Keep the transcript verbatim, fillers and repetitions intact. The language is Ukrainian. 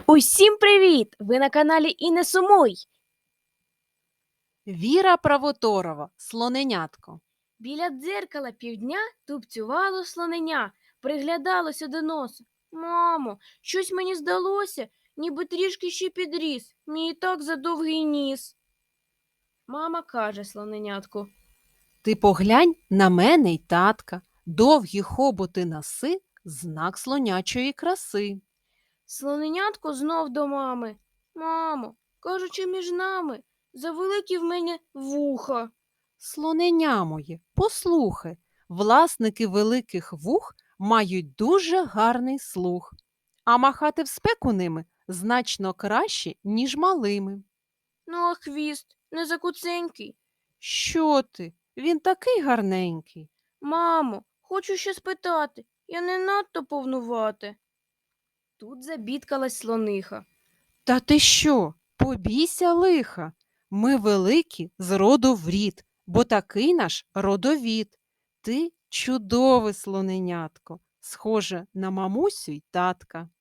Усім привіт! Ви на каналі І не сумуй! Віра Правоторова, слоненятко. Біля дзеркала півдня тупцювало слоненя, приглядалося до носу. Мамо, щось мені здалося, ніби трішки ще підріс, мій і так задовгий ніс. Мама каже слоненятку: Ти поглянь на мене й татка. Довгі хоботи носи – знак слонячої краси. Слоненятко знов до мами. Мамо, кажучи між нами, завеликі в мене вуха. Слоненя моє, послухай, власники великих вух мають дуже гарний слух, а махати в спеку ними значно краще, ніж малими. Ну, а хвіст не закуценький. Що ти? Він такий гарненький. Мамо, хочу ще спитати, я не надто повнувате. Тут забідкалась слониха. Та ти що? Побійся лиха. Ми великі з роду в рід, бо такий наш родовід. Ти чудове слоненятко, схоже на мамусю й татка.